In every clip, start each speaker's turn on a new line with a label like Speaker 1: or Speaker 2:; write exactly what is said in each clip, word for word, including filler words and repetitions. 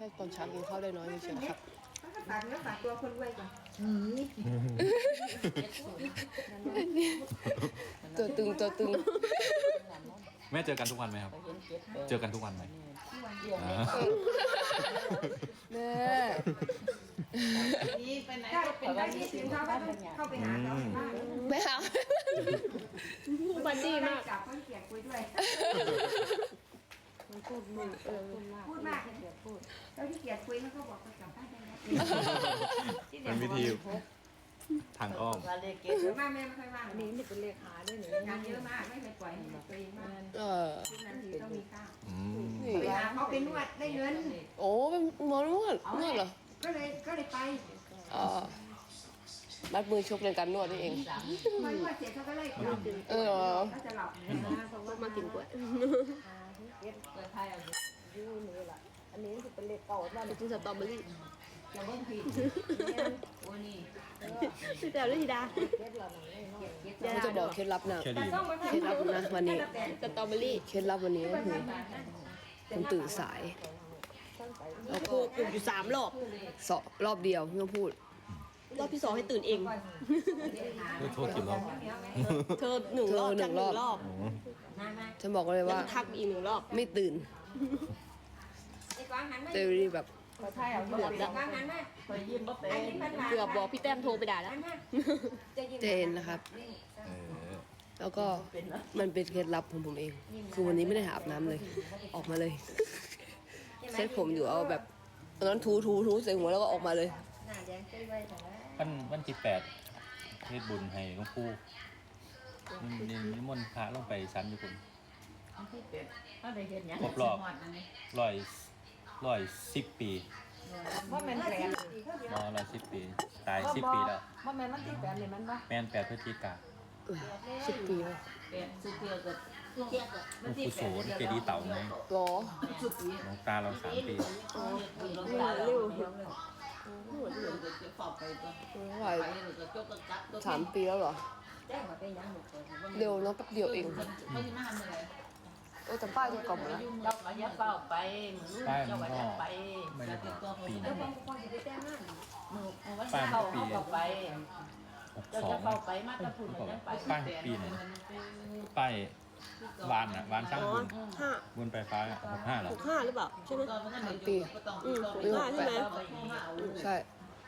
Speaker 1: ตอนเช้ากินข้าวได้น้อยเฉยๆครับ
Speaker 2: ฝากเนื้อฝากตัวคนรวยก่อน
Speaker 1: ตัวตึงตัวตึง
Speaker 3: แม่เจอกันทุกวันไหมครับเจอกันทุกวันไหม
Speaker 1: แม่
Speaker 2: นี่ไปไหนก็เป็นได้ที่ถึงเขาเข้าไปหาเขา
Speaker 1: ไม่เอาบันดี้มาก
Speaker 2: กับคนเกียรคุยด้วย
Speaker 1: มันพูดมึงเออ
Speaker 2: พูดมากเกียรพูดแล้วที่เกียรคุยเขาก็บอกเขากลับบ้านได้แล้ว
Speaker 3: เป็นวิธีทางอ้อม
Speaker 2: เยอะมากแม่ไม่ค่อยว่าง
Speaker 4: นี่นี่เป็นเลขาด้วยหนู
Speaker 2: งานเยอะมากไม่เคยปล่อยให้ตัวเองมาก
Speaker 1: เออ
Speaker 2: ทุกนาทีต้องมีข้าวไปหาเขาไปนวดได้เงิน
Speaker 1: โอ้เป็นหมอนวดนวดเหรอ
Speaker 2: ก็เลยก็เลยไป
Speaker 1: อ๋อมัดมือชกในการนวดนี่เอง
Speaker 2: มานวดเสร็จเขาก็ไล่กลับ
Speaker 1: เออ
Speaker 2: ก็จะหลับ
Speaker 4: เขาก็มากินกล้วยเก็บกล้วยไทยยูนี่แหละอันนี้คือเป็นเลขเก่าว่าเป็นสตรอเบอรี่
Speaker 2: จะเบิ้งผิดวันนี้
Speaker 4: พี่แต่ฤทธิดา
Speaker 1: เขาจะบอกเคล็ดลับนะเคล็ดลับนะวันนี้
Speaker 4: สตรอเบอรี่
Speaker 1: เคล็ดลับวันนี้ก็คือคุณตื่นสาย
Speaker 4: แล้วก็ปลุกอยู่สามรอบ
Speaker 1: สองรอบเดียวไม่ต้องพูด
Speaker 4: รอบที่สองให้ตื่นเอง
Speaker 3: โทษกี่รอบ
Speaker 4: เธอหนึ่งรอบจากหนึ่งรอบ
Speaker 1: ฉันบอกเลยว่า
Speaker 4: ทักอีกหนึ่งรอบ
Speaker 1: ไม่ตื่นเจอรีแบบ
Speaker 4: เกือบแล้วเกือบบอกพี่แต้มโทรไปด่าแล้ว
Speaker 1: เจนนะครับแล้วก็มันเป็นเคล็ดลับของผมเองคือวันนี้ไม่ได้อาบน้ำเลยออกมาเลยเซ็ตผมอยู่เอาแบบตอนนั้นทูทูทูใส่หัวแล้วก็ออกมาเลย
Speaker 3: วันวันที่แปดเทศบุญให้หลวงปู่นินิมนต์พระลงไปชั้นอยู่คุณครบรอบร้อยร้อยสิบปี
Speaker 2: ว่าแมนแปด
Speaker 3: มอร้อยสิบปีตายสิบปีแล้ว
Speaker 2: ว่าแมนมันที่แปดเลยมันปะ
Speaker 3: แมนแปดพฤศจิกา
Speaker 1: สิบปีแล้ว
Speaker 2: แปดสิบปีเกิด
Speaker 3: หลวงปู่โสนเจดีย์เต่าไง
Speaker 1: หรอ
Speaker 3: หลวงตาเราสามปี
Speaker 1: เร็วสามปีแล้วเหรอเร็วเนาะแป๊บเดียวเองเออแต่ป้ายจะกล่อมนะ
Speaker 2: เราก็ยัดเป้าไป
Speaker 3: ป้ายมันก็ไม่ได้บอกปีนั้นป้ายปีหกสองป้ายปีไหนป้ายวานอ่ะวานช่างบุญบุญไฟฟ้าหกห้าหรอ
Speaker 4: หกห้าหรือเปล่าใช่ไหม
Speaker 1: สามปี
Speaker 4: อืมหกห้าใช่ไหม
Speaker 1: ใช่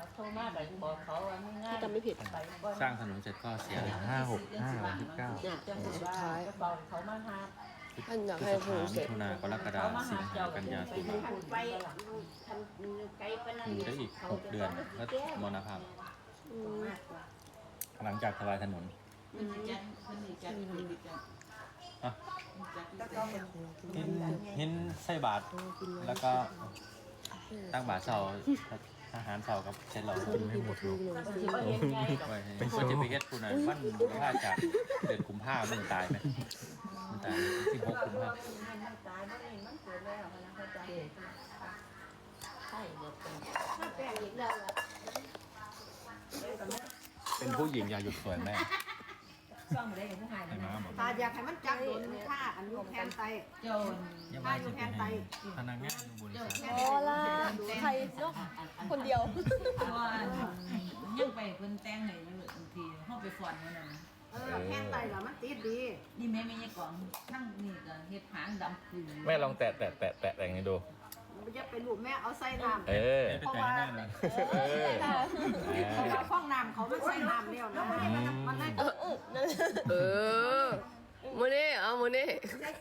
Speaker 4: จำไม่ผิด
Speaker 3: สร้างถนนเสร็จก็เสียห้าหกห้าวันที่เก้า
Speaker 1: สุดท้ายท่านอยากให้ถนนเสร็จ
Speaker 3: มิถุนากรกฎาคมสิงหากันยาตุลาอยู่ได้อีกหกเดือนก็มรณภาพหลังจากถวายถนนหินหินใส่บาทแล้วก็ตั้งบาทเสาอาหารเสากับเช็ดเรากินไม่หมดลูกเป็นคนจะไปเก็ตคุณน่ะมันว่าจากเดือนกุมภาพันธ์มันตายไหมมันตายสิบหกกุมภาพันธ์เป็นผู้หญิงอย่าหยุดสวยแม่
Speaker 2: ซ่อมอะไรอย่างผู้หายนะ
Speaker 4: ตาอยากให้มันจับโดนค่าอันยูแคนไต
Speaker 2: โจน
Speaker 3: ค่ายูแคนไตพนักงานบริษัท
Speaker 4: โอ้ล่ะใครเนาะคนเดียว
Speaker 2: ว่ายังไปเพิ่นแต่งให้เลยบางทีเฮาไปฟ้อนนั่นน่ะ
Speaker 4: เออแคนไตเหรอมันติดดี
Speaker 2: นี่แม่แม่ยังก่อนทั้งนี่ก็เฮ็ดหางดำขึ้น
Speaker 3: แม่ลองแตะแตะแตะแตะแต่งให้ดู
Speaker 4: มันจะเป็นรูปแม่เอาใส่น้ำ
Speaker 3: เออเพราะว่า
Speaker 4: เพราะว่าฟองน้ำเขาไม่ใส่น้ำเดียวนะมันได้เออ
Speaker 1: เออมือนี่เอามือนี่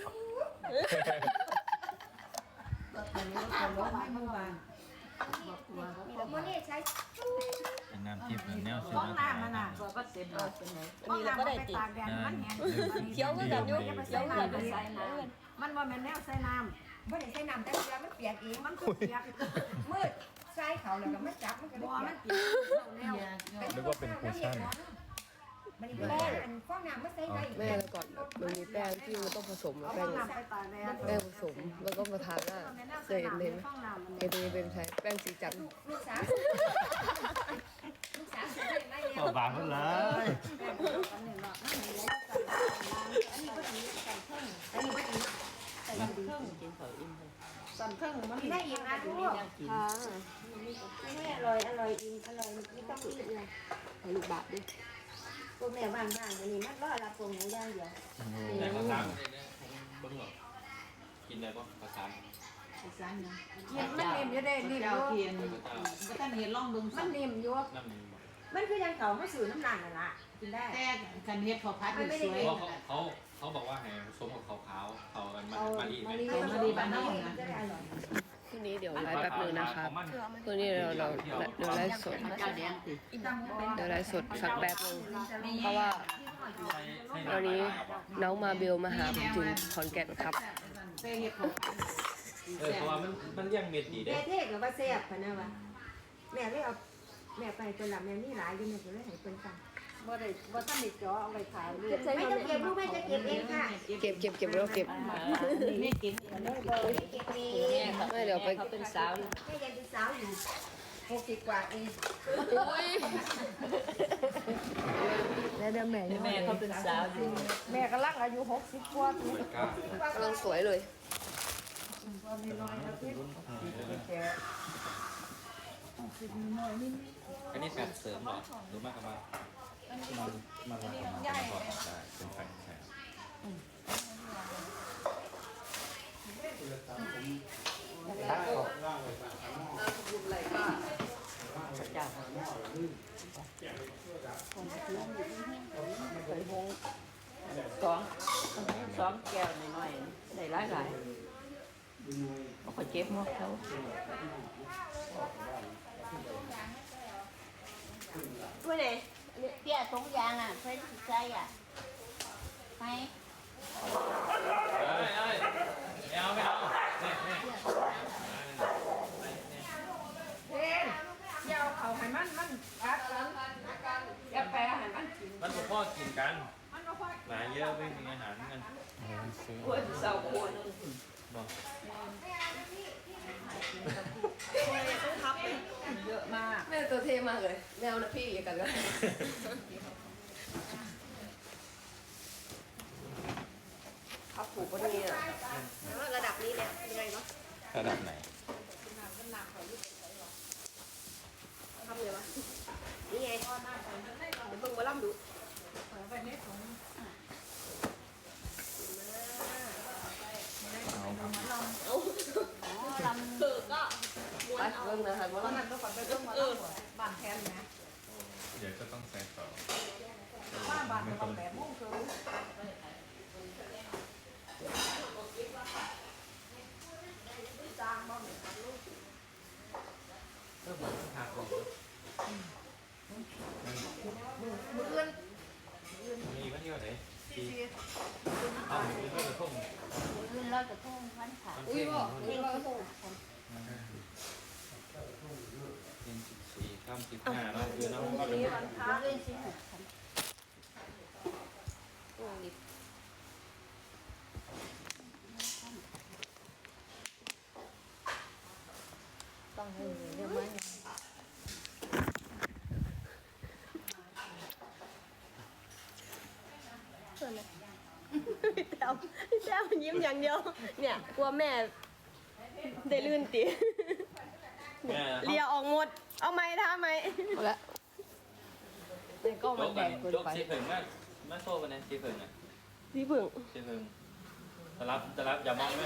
Speaker 2: มันนี่ใช้
Speaker 3: เป็นน้ำทิพย์แนวซื้อ
Speaker 2: ฟองน้ำมันอ่ะตัวก็เต็มเลยเป็นไง
Speaker 4: มีแล้วก็ได้ติดเคี้ยวก็แบบยุ่งเคี้ยวก็ใส่น้ำมันว่ามันแนวใส่น้ำ
Speaker 2: ไม่ได้ใช้น้ำแต่เวลามันเปียกเองมันเปียกมืดใส่เขาแล้วก็มันจับมันก็ได้มันเปียก
Speaker 3: นึกว่าเป็นคูชั่น
Speaker 2: มันมีแป้งอันฟองน้ำไม่ใส่ได้
Speaker 1: แม่แล้วก่อนมันมีแป้งที่มันต้องผสมแป้งแป้งผสมแล้วก็มาทาหน้าเคยเห็นเลยไหมเห็นเลยเป็นใช้แป้งสีจันทร์
Speaker 2: ลูกสาวลูกสาวใส่ได้ไหม
Speaker 3: ต่อบางกันเลย
Speaker 2: สั่นเครื่องกินเผาอิ่มเลยสั่นเครื่องมันได้ยินนะทุก
Speaker 1: ค่ะ
Speaker 2: ไม่อร่อยอร่อยอิ่มอร่อยไม่ต้องรีบเลย
Speaker 1: ให้ลูกบาทดิ
Speaker 2: พวกแม่บ้านบ้านอันนี้มันก็รับส่งหมูย่างเดียว
Speaker 3: แต่ภาษาเบิ้งหรอกินได้ปะภาษา
Speaker 2: มันนิ่มอยู่เด้นิ่มอยู่
Speaker 5: เทียนก็ท่านเห็นล่องเบิ่ง
Speaker 2: มันนิ่มอยู่
Speaker 3: นั่นมัน
Speaker 2: มันคือยังเขาเขาสื่อน้ำหนักน่ะล่ะกินได้
Speaker 5: แต่กันเฮ็ดเขาพัดอยู่สวย
Speaker 3: เพราะเขาเขาบอกว่าให้ผสมกับขาวขาวเขามันมารีไหม
Speaker 5: มาดีบ้านนอกนะ
Speaker 2: จะได้อร่อย
Speaker 1: คืนนี้เดี๋ยวไลฟ์แป๊บนึงนะครับคืนนี้เราเราเดี๋ยวไลฟ์สด
Speaker 5: เจ้าแดงสิ
Speaker 1: เดี๋ยวไลฟ์สดสักแป๊บนึงเพราะว่าวันนี้น้องมาเบลมาหาผมถึงขอนแก่นครับ
Speaker 5: ไปเฮ็ดเขา
Speaker 3: เออเพราะว่ามันมันเลี้ยงเม็ดดีเด้
Speaker 2: แม่เทศกับว่าแซ่บพะนะวะแม่เลยเอาแม่ไปคนละแม่นี่หลายอยู่แม่ก็เลยให้เพิ่นสั่ง
Speaker 4: บ่ได้บ่ทันได้จ่อเอาไว้ขายเลย
Speaker 2: ไม่ต้องเก็บลูกแม่จะเก็บเองค่ะ
Speaker 1: เก็บเก็บเก็บแล้วเก็บ
Speaker 5: แม่กิน
Speaker 2: เลยเก็บเอง
Speaker 1: ไม่เดี๋ยวไป
Speaker 4: เขาเป็นสาว
Speaker 2: แม่ยังเป็นสาวอยู่หกสิบกว่าเอง
Speaker 1: แล้วเดี๋ยวแม่
Speaker 4: แม่เขาเป็นสาวอยู่
Speaker 2: แม่กำลังอายุหกสิบกว่าปี
Speaker 1: กำลังสวยเลย
Speaker 3: อันนี้การเสริมหรอหรือมากกว่ามันมันมาประมาณก่อนได้เป็นแฟนแฟน
Speaker 4: เจ้าเคยหงสองสองแก้วน้อยๆได้หลายหลายๆเขาเจ็บหมดเขา
Speaker 2: ด้วยเลย
Speaker 6: เปี้ยตรงยางอ่ะเพื่อนใส่อ่ะไหม
Speaker 3: เอ้ยเอ้ยไม่เอาไม่เอาเนี่ยเนี่ย
Speaker 2: เฮ้ยเดี๋ยวเขาให้มันมันอัดกันอย่าแปรให้มันกิน
Speaker 3: มันบอกพ่อกินกันหลายเยอะไม่มีอาหารกัน
Speaker 4: คนเศร้าคน
Speaker 3: บอก
Speaker 4: เยอะมาก
Speaker 1: แม่ตัวเท่มากเลยแมวนะพี่อย่ากันกันครับผูกวันนี้อ่ะระดับนี้เลยยังไงวะ
Speaker 3: ระดับไหน
Speaker 1: ทำเลยวะนี่ไงเดี๋ยวมึงมาล่ำดูเอาลำเถือกอ่ะไปเบิ่งนะฮะว่าลำ
Speaker 2: ต้องฝันไปเรื่องมาแล้วบ้านแทนนะ
Speaker 3: เดี๋ยวจะต้องใส่ต่อ
Speaker 2: ว่าบ้านต้องแบบมุ่งคือ
Speaker 3: เริ่มมาทางก่อน
Speaker 2: มือเอื้อน
Speaker 3: มีวันที่วันไหนที่เอาหนึ่งก็จะทุ่ม
Speaker 6: ลื่นลอยกระทงวันขา
Speaker 1: อุ้ยบอกอุ้ยบอก
Speaker 3: เป็นสิบสี่ข้ามสิบห้าแล้วคือน้องก็เป็น
Speaker 6: เล่นสิบ
Speaker 4: ต้องให้เรียกว่า
Speaker 1: พี่แต้วพี่แต้วยิ้มอย่างเดียวเนี่ยกลัวแม่ได้ลื่นตี
Speaker 3: แม่
Speaker 1: เลียออกหมดเอาไหมท่าไหมเอาละในกล้อง
Speaker 3: โจ๊
Speaker 1: มัน
Speaker 3: ก
Speaker 1: แด
Speaker 3: กัน
Speaker 1: งเกิน
Speaker 3: โจ๊ก
Speaker 1: ไป
Speaker 3: สีเผิงมากมาโซ่กันนะสีเผิงอ่ะ
Speaker 1: พี่ผึ่ง
Speaker 3: สีเผิงจะรับจะรับอย่ามองไหม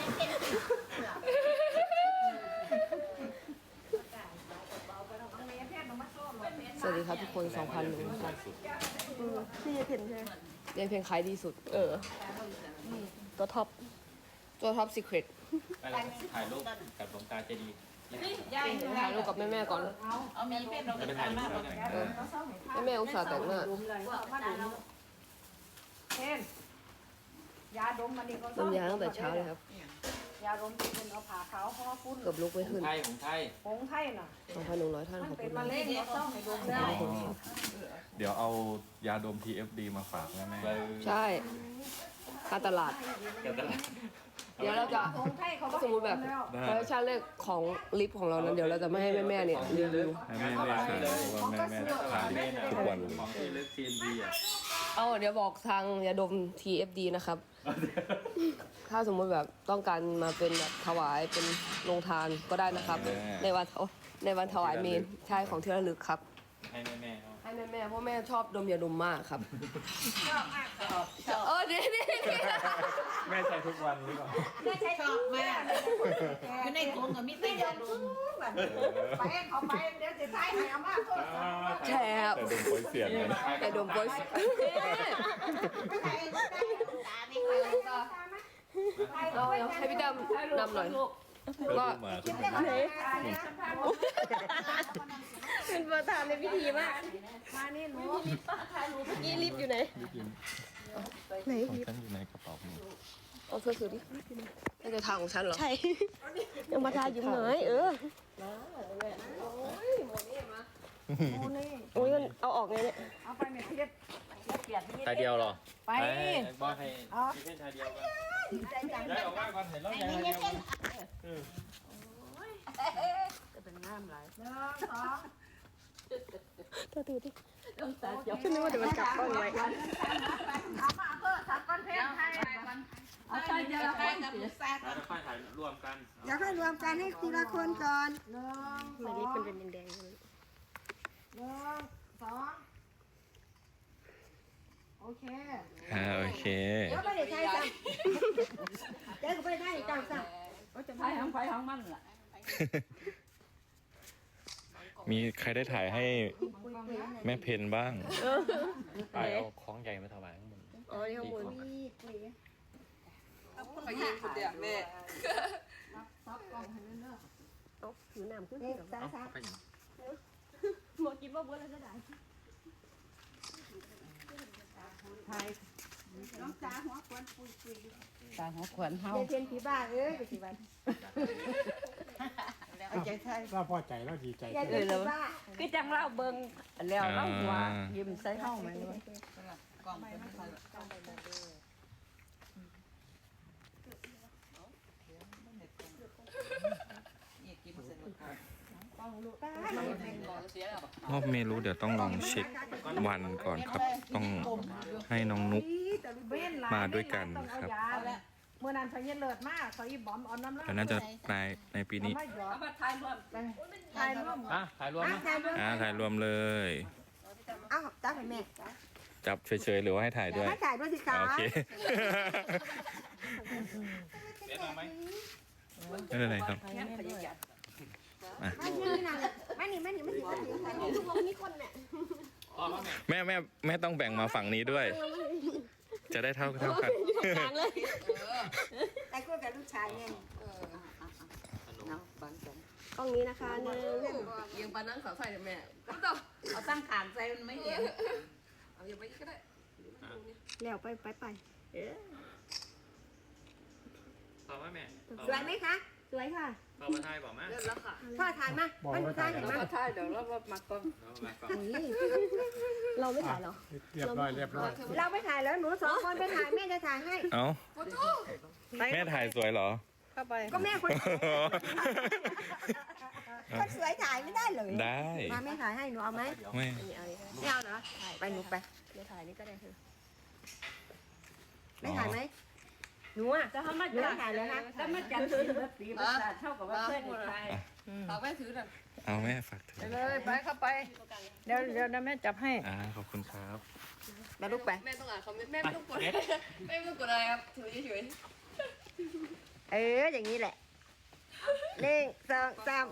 Speaker 1: สวัสดีครับทุกคนสองพันหนึ่งครับพี่ยายเพนใช่ไหมยายเพนขายดีสุด เออตัวท็อปตัวท็อปซีเครต
Speaker 3: ไปแล้วถ่ายรูปกับหลวงตาเจดีย์
Speaker 1: ถ่ายรูปกับแม่ๆก่อน
Speaker 6: เอามีเป็นเรา
Speaker 3: จะไปถ่ายรูปแล้วกัน
Speaker 1: เออแม่ๆอุตส่าห์แต่งหน้า
Speaker 2: เช่นยาดมมันนี่ก็
Speaker 1: น้ำยาตั้งแต่เช้าเลยครับ
Speaker 2: ยาดมที่เป็นเอาผ่าขาวห่อฟุ้น
Speaker 1: เกือบลุกไม่
Speaker 3: ขอ
Speaker 1: ขึ้
Speaker 3: ง
Speaker 1: น
Speaker 3: ไทยของไทย
Speaker 2: ผงไทยน่ะ
Speaker 1: สองพันหนึ่งร้อยท่าน
Speaker 2: มัน
Speaker 1: ขอบ
Speaker 2: เป็
Speaker 1: คุ
Speaker 2: น
Speaker 1: ณ
Speaker 2: มะ
Speaker 1: มาก
Speaker 2: เร็งก็ต้องให้ดมได้
Speaker 7: เดี๋ยวเอายาดม ที เอฟ ดี มาฝากแม่แม่
Speaker 3: เบอร์
Speaker 1: ใช่การตลาด
Speaker 3: เดี๋ยวจะ
Speaker 1: เดี๋ยวเราจะ
Speaker 2: ผงไทยเขา
Speaker 1: สมมติแบบคอลเลคชันแรกของลิปของเรานั้นเดี๋ยวเราจะไม่ให้แม่ๆเนี่ยรีวิว
Speaker 7: ให้แม่แม่ขายเพราะว่าแม่แม่ทาน
Speaker 3: เมน
Speaker 7: ทุกวันเลย
Speaker 3: ของที่เลือกซีนดีอ่ะ
Speaker 1: เอาเดี๋ยวบอกทางยาดม ที เอฟ ดี นะครับ ถ้าสมมติแบบต้องการมาเป็นแบบถวายเป็นโรงทานก็ได้นะครับ ในวันโอ๊ะในวันถวายเมนใช่ของที่ระลึกครับ
Speaker 3: ให้แม่แม่ๆเอา
Speaker 1: ให้แม่แม่ๆเพราะแม่ชอบดมยาดมมากครับ
Speaker 2: ชอบมากชอบ
Speaker 1: เออนี่นี่นี่
Speaker 3: แม่ใช้ทุกวันหรือเปล่า
Speaker 2: ไม่ใช่
Speaker 5: ชอบมากอยู่ในถุงก็มีแต่ยาดม
Speaker 2: ไปเขาไปเดี๋ยวจะใช้ให้เอามาโทษ
Speaker 1: แชบ
Speaker 7: แต่ดมโอยเสียงเลย
Speaker 1: ยาดมโปรย
Speaker 2: ไม่ใช่ไม่ใช่ตาไม่ค่อยตาไหม
Speaker 1: เราเอาให้พี่ดำนำหน่อยว่า
Speaker 7: มา
Speaker 2: คิดได้ไหม
Speaker 1: เป็นประธานในพิธีมาก
Speaker 2: มานี่หนู
Speaker 1: ยี่ลิฟอยู่ไหนไหน
Speaker 7: ของฉันอยู่ในกระเป๋าผม
Speaker 1: เอาเสื้อสูทดิน่าจะทางของฉันเหรอใช่ยังมาทายิ้มหน่อยเออโอ้ยมันเอาออกไงเนี่ย
Speaker 2: เอาไปเม็ดเทียบเปลี่ยนที่
Speaker 3: ชายเดียวเหรอ
Speaker 2: ไป
Speaker 3: บอกให้พี่เพ่นชายเดียวกัน
Speaker 2: ใจจัง
Speaker 3: ย้ายออกมาก่อนเห็นแล้วย้ายชายเดียวกัน
Speaker 4: จะเป็นน้ำไหล
Speaker 2: หนึ่งสอง
Speaker 1: ตัวตือดิ
Speaker 4: ต้องตาเจียว
Speaker 1: ฉันนึกว่าเดี๋ยวมันกลับกล้องไว้
Speaker 2: เอามาเพื่อทักก้อนเพชรให้
Speaker 4: เอาตาเจียวแล้วกันสิ
Speaker 3: แล้วค่อยถ่ายรวมกัน
Speaker 2: อยากให้รวมกันให้ทีละคนก่อนหนึ่งส
Speaker 1: มั
Speaker 2: อน ง
Speaker 1: ลิฟเป็นแดงๆเลย
Speaker 2: หนึ่งสองโอเค
Speaker 7: อ่าโอเค
Speaker 2: เดี๋ยวไปเดี๋ยวใช้จังเดี๋ยวก็ไปได้จังจัง
Speaker 4: ไฟห้องไฟห้องมันล่ะ
Speaker 7: มีใครได้ถ่ายให้แม่เพนบ้าง
Speaker 3: ถ่ายเอาของใหญ่มาถวายข้างบน
Speaker 1: อ๋อนี่ข้างบน
Speaker 2: คุยคุย
Speaker 1: เขายิงสุดเดียวแม่
Speaker 2: ซับกล่องให้เรื่อย
Speaker 1: เอาถือน้ำขึ้น
Speaker 2: ๆนี่สามสาม
Speaker 3: ไปอย่าง
Speaker 1: หมดกินว่าเบื่อแล้วก็ได้
Speaker 2: ไทยน้องจ้าหัวควนปุยปุย
Speaker 4: ตาหัวขวัญเฮา
Speaker 2: เดี๋ยวเพียนผีบ้าเอ้ยไปสิวันเอาใจไทย
Speaker 8: เราพอใจแล้วดีใจ
Speaker 2: อย่าเดือดบ้า
Speaker 4: คือจังเล่าเบิ่งแล้วเล่าหัวยิ้มใส่เฮามาด้วย
Speaker 7: รอบเมนูเดี๋ยวต้องลองเช็ควันก่อนครับ ต้องให้น้องนุกมาด้วยกันครับ
Speaker 2: เมื่อนั้นพญเลิศมากเขาอีบอมเอาน้ำ
Speaker 7: แต่น่าจะในในปีนี้
Speaker 2: มาหยอด
Speaker 4: เอามาถ่ายรวม
Speaker 2: ทายร่วม
Speaker 3: อ่ะถ่ายรวมนะ
Speaker 2: ทายร่วม
Speaker 7: อ่าถ่ายรวมเลย
Speaker 2: เอ้าจ้าให้แม่
Speaker 7: จับเฉยๆหรือว่าให้ถ่ายด้วย
Speaker 2: ให้ถ่ายด้วยสิคะ
Speaker 7: โอเค
Speaker 3: เดี๋ยวเอาไหม
Speaker 7: ไม่เป็นไรครับ
Speaker 2: ไม่นี่นะไม่นี่ไม่นี่ไม่นี่ไม่นี่ไม่นี่ทุกคนมีคนเนี่ย
Speaker 3: อ๋อแม่
Speaker 7: แม่แม่แม่ต้องแบ่งมาฝั่งนี้ด้วย จะได้เท่าเท่ากัน
Speaker 2: แต่ก็กับลูกชายไง
Speaker 4: น้ำปันกัน
Speaker 1: กล้องนี้นะคะหนึ่งยังปานั่งสาวใส่กับแม่ก็ต้อง
Speaker 5: เอาตั้งขานใจมันไม่เห็น
Speaker 1: เอาอย่างไปก็ได้
Speaker 2: แล้วไปไปไป
Speaker 3: ต่อมาแม่
Speaker 2: สวยไหมคะสวยค่ะ
Speaker 3: ต่อมาถ่ายบอกมา
Speaker 1: เริ่มแล้วค่ะ
Speaker 2: พ่อถ่ายมามันถ่ายเห็นไหม
Speaker 4: ถ่ายเดี๋ยวเรามาก่อน
Speaker 3: เอามาก่อน
Speaker 1: เราไม่ถ่ายหรอ
Speaker 8: เรียบร้อยเรียบร้อย
Speaker 2: เราไปถ่ายแล้วหนูสองคนไปถ่ายแม่จะถ่ายให้
Speaker 7: เอ้าแม่ถ่ายสวยเหรอ
Speaker 4: เข้าไป
Speaker 2: ก็แม่คนคนสวยถ่ายไม่ได้เลย
Speaker 7: ได้
Speaker 2: มาแม่ถ่ายให้หนูเอาไหม
Speaker 7: ไม่
Speaker 1: นี่เอาเลย
Speaker 2: ไม่เอาเหรอไปหนูไป
Speaker 1: เดี๋ยวถ่ายนี่ก็ได้เถอะ
Speaker 2: ไม่ถ่ายไหมหนูอ่ะ
Speaker 4: จะทำมา
Speaker 2: หนู
Speaker 4: จัด
Speaker 2: ถ่ายแล้วนะ
Speaker 4: จะมาจัดศิลปีประสาทเท่ากับว่าเพื่อนไทย
Speaker 1: ฝากแม่ถือหน่อย
Speaker 7: เอาแม่ฝากถือ
Speaker 4: เลยไปเข้าไป เดี๋ยวเดี๋ยวแม่จับให้
Speaker 7: อ่าขอบคุณครับ
Speaker 2: มาลูกไป
Speaker 1: แม่ต้องอ่านคอมเมนต์แม่ไม่ต้องกดแม่ไม่ต้องกดอะไรครับถือเฉย
Speaker 2: เอออย่างนี้แหละหนึ่งสองสาม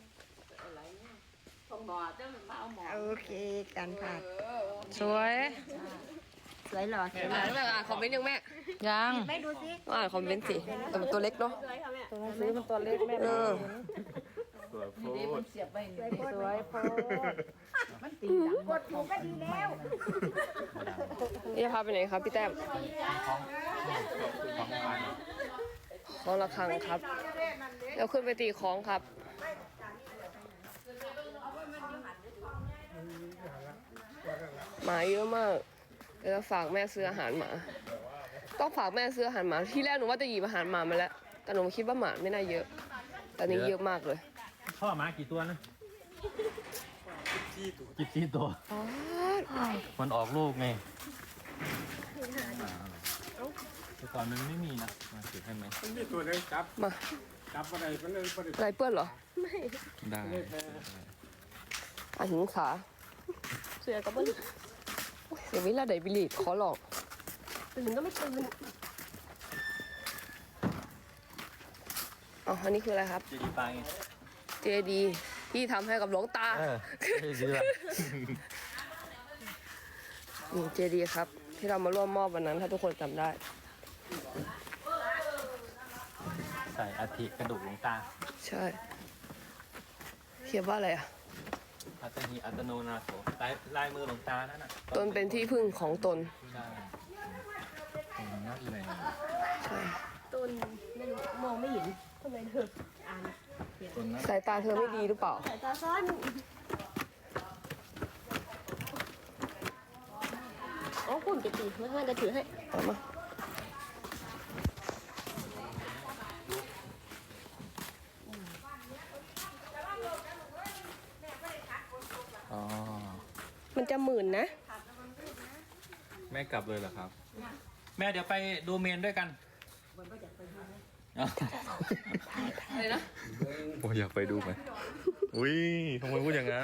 Speaker 4: ส่งหมอเจ้ามาเอาหมอ
Speaker 2: โอเคกันค่ะ
Speaker 4: สวย
Speaker 2: สวยหล่อสวย
Speaker 1: ๆ
Speaker 2: หล่
Speaker 1: อ่า
Speaker 2: อน
Speaker 1: แล้วอ่านคอมเมนต์ยังแม่
Speaker 4: ยัง
Speaker 2: ไม่ดูสิ
Speaker 1: ต้องอ่านคอมเมนต์สิแต่มันตัวเล็กเนาะ
Speaker 4: ซื้อมันตัวเล็กแม่
Speaker 1: เออ
Speaker 7: สวยโพ
Speaker 4: ดีมันเสียบไปนี่สวยโพมันตี
Speaker 2: กดถูกก็ดีแล้ว
Speaker 1: นี่จะพาไปไหนครับพี่แต้ม
Speaker 3: ของของถ่าย
Speaker 1: ของระฆังครับเดี๋ยวขึ้นไปตีของครับหมาเยอะมากเดี๋ยวจะฝากแม่ซื้ออาหารหมา ต้องฝากแม่ซื้ออาหารหมาที่แรกหนูว่าจะหยิบอาหารหมามาแล้วแต่หนูคิดว่าหมาไม่น่าเยอะแต่นี้เยอะมากเลย
Speaker 3: พ่อมากี่ตัวนะกี่ตัว มันออกลูกไงแต่ก่อนมันไม่มีนะมาถือให้ไหม
Speaker 8: มันมีตัวเลยจับ
Speaker 1: มา
Speaker 8: จับอะไรมันเลยมันเลย
Speaker 1: ลายเปื้อนเหรอ
Speaker 7: ได้
Speaker 1: อ่ะหิงขาเสือกับเบิ้ลเสียเวลาไดบิลีดขอหลอกตื่นก็ไม่ตื่นอ๋ออันนี้คืออะไรครับ
Speaker 3: จะดีไปไง
Speaker 1: เจดีที่ทำให้กับหลวงตา
Speaker 3: เออดีละ
Speaker 1: นี่เจดีครับ ที่เรามาร่วมมอบวันนั้นถ้าทุกคนจำได้
Speaker 3: ใส่อาทิกระดูกหลวงตา
Speaker 1: ใช่เขียนว่าอะไรอ่ะ
Speaker 3: อัตหิอัตโนนาโถลายลายมือหลวงตานั่นน่ะ
Speaker 1: ตนเป็นที่พึ่งของตน
Speaker 3: ใช่ตรงนั้นเลย
Speaker 1: ใช่
Speaker 5: ต้นไม่รู้มองไม่เห็นทำไมเธออ่าน
Speaker 3: ตรงนั้น
Speaker 1: สายตาเธอไม่ดีหรือเปล่า
Speaker 5: สายตาสั้นอ๋อคุณจะตีเมื่อไหร่จะถือให้
Speaker 1: เอามา
Speaker 3: อ๋อ
Speaker 1: มันจะหมื่นนะ
Speaker 3: แม่กลับเลยเหรอครับ แม่เดี๋ยวไปดูเมนด้วยกัน
Speaker 1: อะไรนะ
Speaker 7: โอ้ยอยากไปดูไหมอุ้ยทำไมพูดอย่างนั้น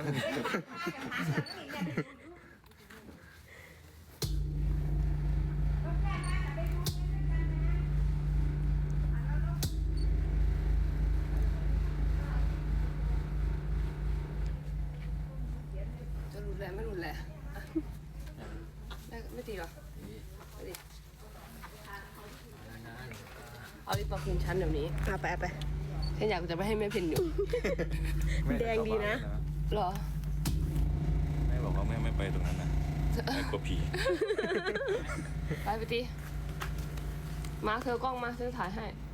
Speaker 1: จะรุนแรงไม่รุนแรงอ่ะไม่ไม่ตีหรอไม่ตีเอาลิปมาคืนฉันเดี๋ยวนี้อ่ะไปไปฉันอยากจะไปให้แม่เพนอยู่ แดงดีนะ เหรอ
Speaker 7: แม่บอกว่าแม่ไม่ไปตรงนั้นนะแม่กลัวผี
Speaker 1: ไปไปตีมาเธอกล้องมาฉันถ่ายให้